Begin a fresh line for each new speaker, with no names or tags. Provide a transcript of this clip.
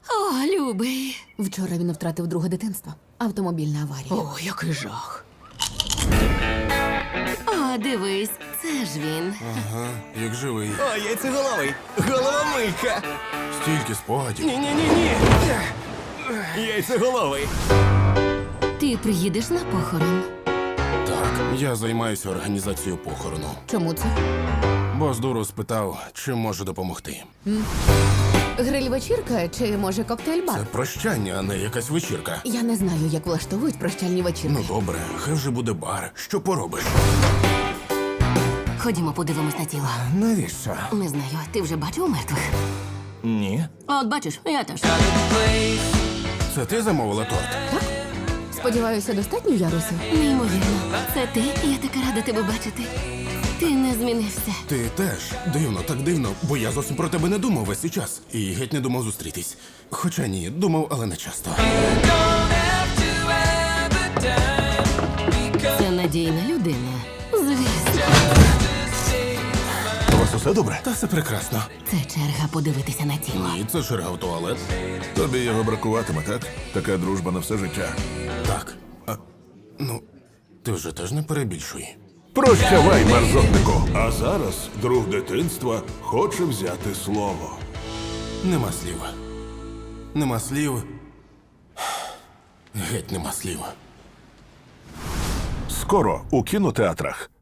О, любий.
Вчора він втратив друге дитинство. Автомобільна аварія.
О, який жах. О, дивись, це ж він.
Ага, як живий.
О, яйцеголовий! Головомийка!
Стільки спогадів.
Ні-ні-ні-ні! Яйцеголовий!
Ти приїдеш на похорон?
Так, я займаюся організацією похорону.
Чому це?
Бос дуру спитав, чим можу допомогти.
Гриль-вечірка чи, може, коктейль-бар?
Це прощання, а не якась вечірка.
Я не знаю, як влаштовують прощальні вечірки.
Ну добре, хай вже буде бар. Що поробиш?
Ходімо, подивимось на тіло.
Навіщо?
Не знаю, ти вже бачив мертвих?
Ні.
От бачиш, я теж.
Це ти замовила торт?
Сподіваюся, достатньо ярусів?
Неймовірно. Це ти? Я така рада тебе бачити. Ти не змінився.
Ти теж. Дивно, так дивно, бо я зовсім про тебе не думав весь цей час. І геть не думав зустрітись. Хоча ні, думав, але не часто.
Це надійна людина. Звісно.
У вас усе добре?
Та все прекрасно.
Це черга подивитися на тіло.
Ні, це черга в туалет.
Тобі його бракуватиме, так? Така дружба на все життя.
Так. Ну, ти вже теж не перебільшуй.
Прощавай, мерзотнику! А зараз друг дитинства хоче взяти слово.
Нема слів. Нема слів. Геть нема слів.
Скоро у кінотеатрах.